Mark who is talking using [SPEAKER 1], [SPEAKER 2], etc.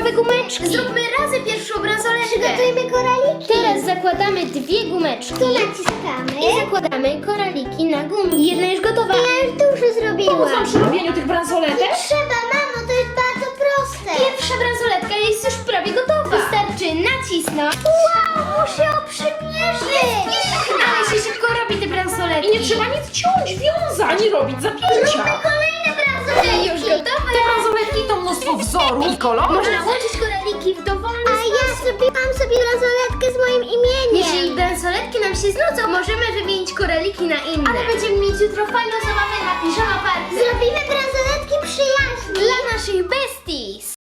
[SPEAKER 1] nowe gumeczki.
[SPEAKER 2] Zróbmy razem pierwszą bransoletkę.
[SPEAKER 1] Przygotujmy koraliki.
[SPEAKER 2] Teraz zakładamy 2 gumeczki.
[SPEAKER 1] Tu naciskamy.
[SPEAKER 2] I zakładamy koraliki na gumki. Jedna już gotowa.
[SPEAKER 1] Ja już dużo zrobiłam.
[SPEAKER 3] Pomóc wam przy robieniu tych bransoletek?
[SPEAKER 1] Trzeba, mamo, to jest bardzo proste.
[SPEAKER 2] Pierwsza bransoletka jest już prawie gotowa. Wystarczy nacisnąć.
[SPEAKER 1] Wow, muszę ją przymierzyć.
[SPEAKER 2] Ale się szybko robi te bransoletki.
[SPEAKER 3] I nie trzeba nic ciąć, wiązać, ani robić zapięcia.
[SPEAKER 1] Kolejne bransoletki.
[SPEAKER 2] Już gotowe.
[SPEAKER 3] Te bransoletki to mnóstwo wzorów i kolorów.
[SPEAKER 2] Można łączyć koraliki w dowolny
[SPEAKER 1] A ja zrobiłam sobie bransoletkę z moim imieniem.
[SPEAKER 2] Jeśli bransoletki nam się znudzą, możemy wymienić koraliki na inne. Ale będziemy mieć jutro fajną zabawę na piżama party.
[SPEAKER 1] Zrobimy bransoletki przyjaźni.
[SPEAKER 2] Dla naszych besties.